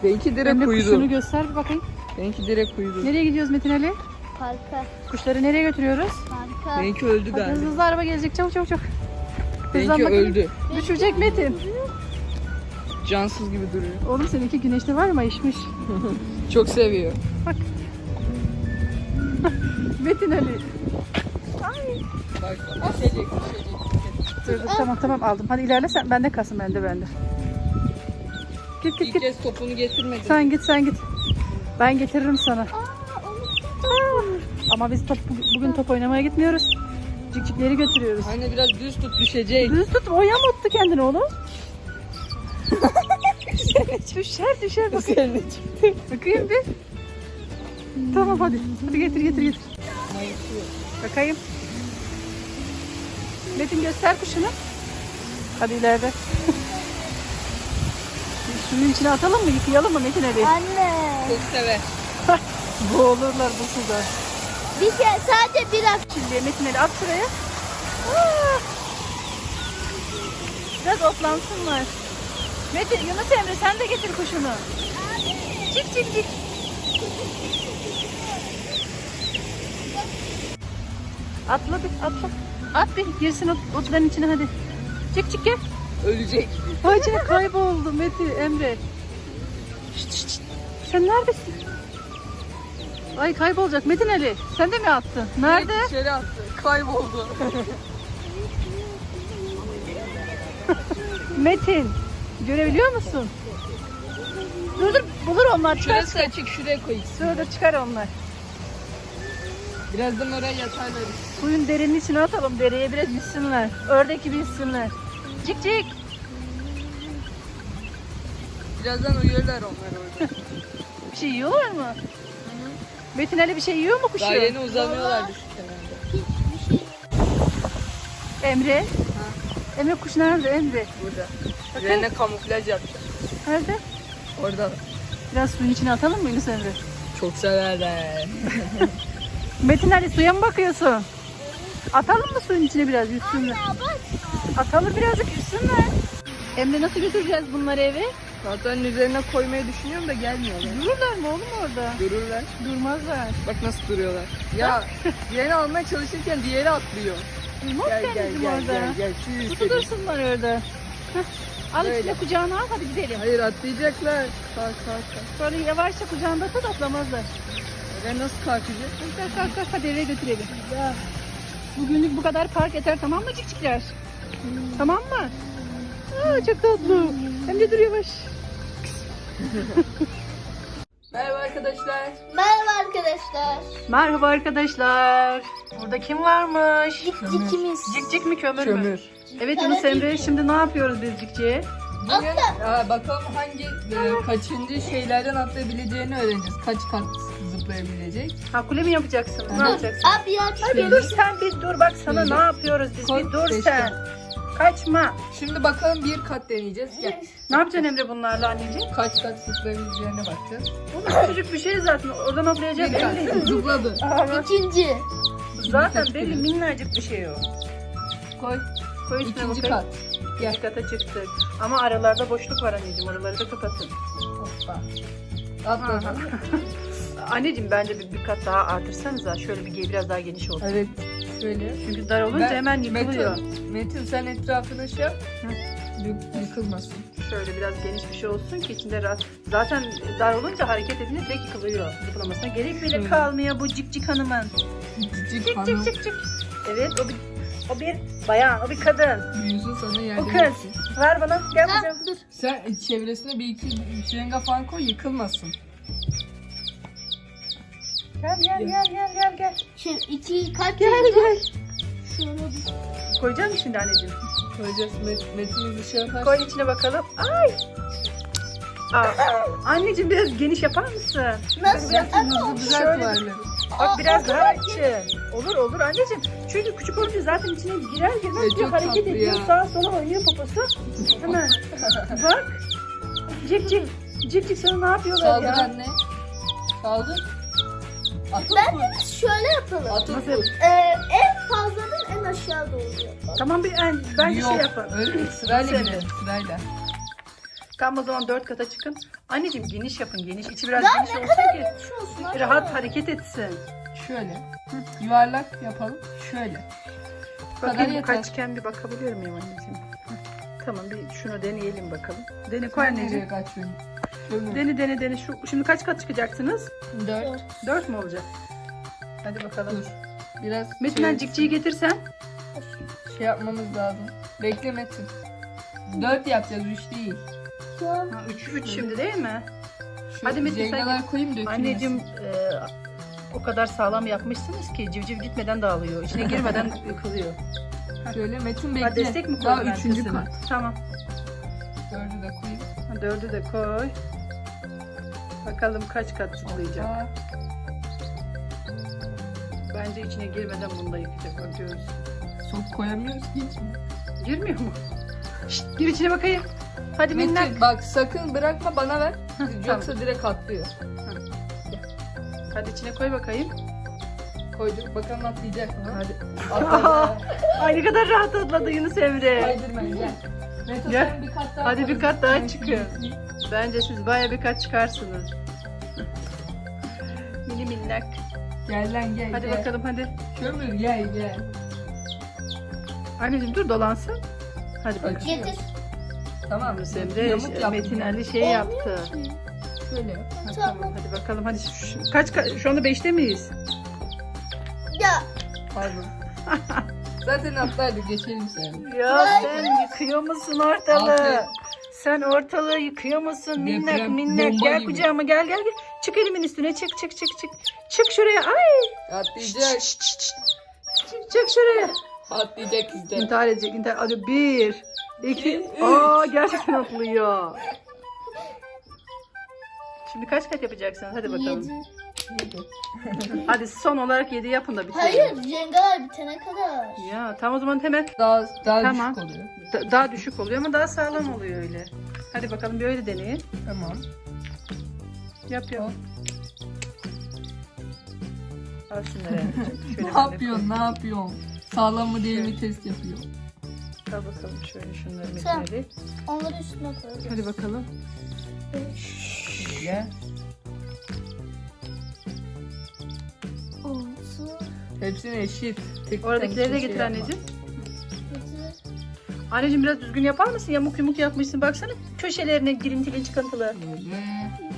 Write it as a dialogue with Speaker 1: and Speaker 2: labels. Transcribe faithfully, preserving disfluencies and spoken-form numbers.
Speaker 1: Benimki direkt
Speaker 2: Emre
Speaker 1: uyudu.
Speaker 2: kuşunu göster bir bakayım.
Speaker 1: Benimki direkt uyudu.
Speaker 2: Nereye gidiyoruz Metin Ali?
Speaker 3: Parka.
Speaker 2: Kuşları nereye götürüyoruz?
Speaker 3: Parka.
Speaker 1: Benimki öldü
Speaker 2: Hadi hızlı
Speaker 1: galiba.
Speaker 2: hızlı araba gelecek, çabuk çabuk çabuk.
Speaker 1: Benimki
Speaker 2: Hızlan bakalım.
Speaker 1: öldü.
Speaker 2: Düşecek Metin.
Speaker 1: Cansız gibi duruyor.
Speaker 2: Oğlum seninki güneşte var mı? İşmiş.
Speaker 1: Çok seviyor.
Speaker 2: Bak. Metin Ali. Ay.
Speaker 1: Bak bak. Düşecek, düşecek.
Speaker 2: Dur, dur, tamam tamam aldım. Hadi ilerle sen. Bende kalsın, bende bende. Git git
Speaker 1: İlk
Speaker 2: git.
Speaker 1: kez topunu getirmedi.
Speaker 2: Sen git sen git. Ben getiririm sana.
Speaker 3: Aa, unuttum.
Speaker 2: Ama biz top, bugün top oynamaya gitmiyoruz. Cikcikleri götürüyoruz.
Speaker 1: Anne biraz düz tut, düşecek.
Speaker 2: Düz tut, o yamulttu kendini oğlum. düşer düşer bakayım.
Speaker 1: Üzerine çıktı.
Speaker 2: Bakayım bir. Tamam hadi. Hadi getir getir getir. Bakayım. Metin göster kuşunu. Hadi ileride. Suyun içine atalım mı? Yıkayalım mı Metin Ali?
Speaker 3: Anne.
Speaker 1: Çok sever.
Speaker 2: Boğulurlar bu suda.
Speaker 3: Bir kere sadece bir hafta.
Speaker 2: Şimdi Metin Ali at şuraya. Aa! Biraz otlansınlar. Metin, Yunus Emre sen de getir kuşunu. Çık çık çık. Atla bir atla. At bir girsin ot, otların içine hadi. Çık çık gel.
Speaker 1: Ölecek.
Speaker 2: Hoca kayboldu Metin Emre. Şşt, şşt, şşt. Sen neredesin? Ay kaybolacak Metin Ali. Sen de mi attın? Nerede?
Speaker 1: Direkt dışarı attı. Kayboldu.
Speaker 2: Metin. Görebiliyor musun? Dur dur bulur onlar. Çıkar
Speaker 1: Şurası
Speaker 2: çıkar.
Speaker 1: açık, şuraya koy.
Speaker 2: Dur dur çıkar onlar.
Speaker 1: Birazdan oraya yatarlar.
Speaker 2: Suyun derinin içine atalım. Dereye biraz yüzsünler. Ördek gibi yüzsünler. Cik cik.
Speaker 1: Birazdan uyuyorlar onlar orada.
Speaker 2: Bir şey yiyorlar mı? Metin Ali bir şey yiyor mu kuşu?
Speaker 1: Daha yeni uzanıyorlardı şu kenarda.
Speaker 3: Hiçbir şey.
Speaker 2: Emre. Emre kuş nerede Emre?
Speaker 1: Burada.
Speaker 2: Bakın.
Speaker 1: Üzerine kamuflaj yapacağım.
Speaker 2: Nerede?
Speaker 1: Orada.
Speaker 2: Biraz suyun içine atalım mı Yunus Emre?
Speaker 1: Çok severler.
Speaker 2: Metin Ali suya mı bakıyorsun? Atalım mı suyun içine biraz yüzsünler?
Speaker 3: Anne bak.
Speaker 2: Atalım birazcık yüzsünler. Emre nasıl götüreceğiz bunları eve?
Speaker 1: Zaten üzerine koymayı düşünüyorum da gelmiyorlar.
Speaker 2: Dururlar mı oğlum orada?
Speaker 1: Dururlar.
Speaker 2: Durmazlar.
Speaker 1: Bak nasıl duruyorlar. Ya diğerini almaya çalışırken diğeri atlıyor.
Speaker 2: Durmaz
Speaker 1: Gel gel
Speaker 2: kendisi
Speaker 1: gel
Speaker 2: orada.
Speaker 1: gel gel. Şu
Speaker 2: Tutu
Speaker 1: yükselim.
Speaker 2: dursunlar orada. Heh. Al
Speaker 1: Böyle.
Speaker 2: içine kucağına al hadi gidelim.
Speaker 1: Hayır atlayacaklar. Kalk kalk kalk.
Speaker 2: Sonra yavaşça kucağında tut atlamazlar.
Speaker 1: Oraya nasıl kalkacak?
Speaker 2: Kalk kalk kalk hadi eve götürelim. Bugünlük bu kadar park yeter tamam mı cikcikler? Tamam mı? Aa, çok tatlı. Hem de dur yavaş.
Speaker 1: Merhaba arkadaşlar.
Speaker 3: Merhaba arkadaşlar.
Speaker 2: Merhaba arkadaşlar. Burada kim varmış?
Speaker 3: Cikcikimiz.
Speaker 2: Cikcik mi kömür, mü?
Speaker 1: Kömür.
Speaker 2: Evet Yunus Emre şimdi ne yapıyoruz biz cikciye?
Speaker 1: Bugün aa, bakalım hangi e, kaçıncı şeylerden atlayabileceğini öğreneceğiz. Kaç kat zıplayabilecek.
Speaker 2: Ha kule mi yapacaksın? Ne
Speaker 1: Hı.
Speaker 2: yapacaksın?
Speaker 3: Abi ya
Speaker 2: Ay bir dur sen bir dur bak sana
Speaker 1: Şöyle.
Speaker 2: ne yapıyoruz biz
Speaker 1: Koy,
Speaker 2: bir dur
Speaker 1: seçtim.
Speaker 2: sen. Kaçma.
Speaker 1: Şimdi bakalım bir kat deneyeceğiz. Gel.
Speaker 2: Ne yapacaksın Emre bunlarla anneciğim?
Speaker 1: Kaç kat zıplayabileceğine bakacağız.
Speaker 2: Oğlum küçücük bir şey zaten oradan hoplayacak
Speaker 1: Bir kat.
Speaker 2: belli.
Speaker 1: Zıpladı.
Speaker 2: Aa, bak.
Speaker 3: ikinci.
Speaker 2: Zaten belli minnacık bir şey o.
Speaker 1: Koy.
Speaker 2: Koy üstüne
Speaker 1: İkinci
Speaker 2: bakayım.
Speaker 1: kat.
Speaker 2: İkinci kata çıktık. Ama aralarda boşluk var anneciğim oraları da kapatın.
Speaker 1: Hoppa. Atladı.
Speaker 2: Anneciğim bence bir, bir kat daha artırsanıza şöyle bir biraz daha geniş olsun.
Speaker 1: Evet. Şöyle.
Speaker 2: Çünkü dar olunca
Speaker 1: Ben-
Speaker 2: hemen yıkılıyor.
Speaker 1: Metin, Metin sen etrafına şey yap. Yık- Yıkılmasın.
Speaker 2: Şöyle biraz geniş bir şey olsun ki içinde rahat. Zaten dar olunca hareket edince direkt yıkılıyor. Zıplamasına gerek bile
Speaker 1: Şöyle.
Speaker 2: kalmıyor bu cik cik hanımın.
Speaker 1: Cicik
Speaker 2: Cik
Speaker 1: hanım.
Speaker 2: cik cik cik. Evet o bir, o bir bayan, o bir kadın.
Speaker 1: Büyüsün sana
Speaker 2: O
Speaker 1: yardım
Speaker 2: kız.
Speaker 1: etsin.
Speaker 2: Ver bana gel bakalım. Dur.
Speaker 1: Sen çevresine bir iki şırınga falan koy yıkılmasın.
Speaker 2: Gel gel gel gel gel gel.
Speaker 3: Şimdi iki kaç
Speaker 2: Gel gel.
Speaker 3: Şöyle bir.
Speaker 2: Koyacak mısın şimdi anneciğim?
Speaker 1: Koyacağız. Met, Metin bir şey yapar.
Speaker 2: Koy içine bakalım. Ay. Aa, anneciğim biraz geniş yapar mısın?
Speaker 3: Nasıl?
Speaker 1: Biraz
Speaker 3: Ama
Speaker 1: hızlı düzelt
Speaker 2: şöyle-
Speaker 1: varları.
Speaker 2: Bak biraz daha açın. Olur olur anneciğim. Çünkü küçük olunca zaten içine girer girmez
Speaker 1: Ya
Speaker 2: bir
Speaker 1: çok
Speaker 2: hareket
Speaker 1: tatlı
Speaker 2: ediyor.
Speaker 1: ya.
Speaker 2: Sağa sola oynuyor poposu. Hemen. Bak. Cik cik. Cik cik sana ne yapıyorlar
Speaker 1: Saldır
Speaker 2: ya?
Speaker 1: anne. Saldır. Atıp
Speaker 3: ben
Speaker 1: vur.
Speaker 3: de şöyle yapalım.
Speaker 1: Atıp
Speaker 2: Nasıl?
Speaker 1: vur.
Speaker 3: Ee, en fazladan en aşağı doğru yapalım.
Speaker 2: Tamam bir en, bence
Speaker 1: Yok,
Speaker 2: şey yapın.
Speaker 1: öyle değil. Sırayla
Speaker 2: Nasıl?
Speaker 1: gidelim. Sırayla.
Speaker 2: Tam o zaman dört kata çıkın. Anneciğim geniş yapın, geniş. İçi biraz
Speaker 3: Daha
Speaker 2: geniş
Speaker 3: ne
Speaker 2: olsun
Speaker 3: kadar
Speaker 2: ki
Speaker 3: geniş olsun anne.
Speaker 2: rahat hareket etsin.
Speaker 1: Şöyle. Yuvarlak yapalım. Şöyle. Bu kadar
Speaker 2: Bakayım bu
Speaker 1: yeter.
Speaker 2: kaçken bir bakabiliyor muyum anneciğim? Hı. Tamam bir şunu deneyelim bakalım. Dene koy
Speaker 1: Nereye
Speaker 2: anneciğim.
Speaker 1: kaçıyorsun? Şöyle.
Speaker 2: Dene dene dene. Şu, şimdi kaç kat çıkacaksınız?
Speaker 1: Dört.
Speaker 2: Dört mü olacak? Hadi bakalım.
Speaker 1: Dur. Biraz
Speaker 2: Metin
Speaker 1: şey,
Speaker 2: cikciyi getirsen.
Speaker 1: şey yapmamız lazım. Bekle Metin. Dört yapacağız. Üç değil.
Speaker 3: Tamam.
Speaker 2: Ha, üç, üç şimdi değil mi?
Speaker 1: Şu
Speaker 2: Hadi Metin, sen
Speaker 1: cengalar koyayım dökülmesin.
Speaker 2: Anneciğim e, o kadar sağlam yapmışsınız ki civciv gitmeden dağılıyor. İçine girmeden yıkılıyor.
Speaker 1: Şöyle Metin bekle.
Speaker 2: Ha, destek mi
Speaker 1: Daha
Speaker 2: koydun
Speaker 1: üçüncü
Speaker 2: arkasına?
Speaker 1: kat.
Speaker 2: Tamam.
Speaker 1: Dördü de koyayım.
Speaker 2: Ha, dördü de koy. Bakalım kaç kat zıplayacak.
Speaker 1: Aa,
Speaker 2: Bence içine girmeden bunu da yıkacak. Bakıyoruz.
Speaker 1: sok koyamıyoruz ki hiç mi?
Speaker 2: Girmiyor mu? Şşt, gir içine bakayım. Hadi minnak.
Speaker 1: Metin bak sakın bırakma bana ver. Yoksa
Speaker 2: Tamam.
Speaker 1: direkt atlıyor.
Speaker 2: Hadi içine koy bakayım.
Speaker 1: Koyduk bakalım atlayacak mı?
Speaker 2: Hadi.
Speaker 1: Atladı.
Speaker 2: Ay ne kadar rahat atladı Yunus Emre.
Speaker 1: Kaydırma gel. Metin
Speaker 2: Gel.
Speaker 1: sen bir kat daha
Speaker 2: Hadi bir
Speaker 1: koy.
Speaker 2: kat daha
Speaker 1: Ben
Speaker 2: çıkıyor.
Speaker 1: şimdi-
Speaker 2: Bence siz baya bir kat çıkarsınız. Mini minnak.
Speaker 1: Gel lan gel
Speaker 2: Hadi
Speaker 1: gel.
Speaker 2: bakalım hadi.
Speaker 1: Kömür gel gel.
Speaker 2: Anneciğim dur dolansın. Hadi bakalım.
Speaker 1: Açıyor.
Speaker 3: Getir.
Speaker 1: Tamam.
Speaker 2: Yunus Emre,
Speaker 1: Yamuk yaptım
Speaker 2: Metin
Speaker 1: ben.
Speaker 2: Ali şey yaptı.
Speaker 1: Şöyle yap.
Speaker 2: Ha,
Speaker 3: Tamam.
Speaker 2: tamam hadi bakalım hadi şu, kaç, ka- şu anda beşte miyiz?
Speaker 3: Ya
Speaker 1: Pardon. Zaten atlardık geçelim sen.
Speaker 2: Ya sen yıkıyor musun ortalığı?
Speaker 1: Aferin.
Speaker 2: Sen ortalığı yıkıyor musun minnak
Speaker 1: Deprem
Speaker 2: minnak?
Speaker 1: bomba
Speaker 2: Gel
Speaker 1: gibi.
Speaker 2: kucağıma gel gel gel. Çık elimin üstüne çık çık çık çık. Çık şuraya ay.
Speaker 1: Atlayacak.
Speaker 2: Çık, çık şuraya.
Speaker 1: Atlayacak izle.
Speaker 2: İntihar edecek intihar. Hadi bir, iki. Aa gerçekten atlıyor. Şimdi kaç kat yapacaksınız? Hadi bakalım.
Speaker 3: yedi.
Speaker 2: Hadi son olarak yedi yapın da bitirelim.
Speaker 3: Hayır, jengalar bitene kadar.
Speaker 2: Ya tamam o zaman hemen
Speaker 1: Daha daha
Speaker 2: Tamam.
Speaker 1: düşük oluyor.
Speaker 2: da- daha düşük oluyor ama daha sağlam oluyor öyle. Hadi bakalım bir öyle deneyin.
Speaker 1: Tamam.
Speaker 2: Yap yap. Al şunları. anneciğim. Şöyle
Speaker 1: Ne
Speaker 2: ben de
Speaker 1: yapıyorsun? Ne yapıyorsun? Sağlam mı değil mi test yapıyor.
Speaker 2: koy. Al bakalım şöyle şunları
Speaker 3: Tamam.
Speaker 2: Metin Ali.
Speaker 3: Onları üstüne koyacağız.
Speaker 2: Hadi bakalım.
Speaker 1: Şöyle.
Speaker 3: Altı,
Speaker 1: Hepsini eşit. Tek
Speaker 2: Oradakileri de
Speaker 1: tek
Speaker 2: getir
Speaker 1: şey yapma.
Speaker 2: anneciğim.
Speaker 3: yedi.
Speaker 2: Anneciğim biraz düzgün yapar mısın? Yamuk yumuk yapmışsın. Baksana köşelerine girintili çıkıntılı.
Speaker 1: Böyle.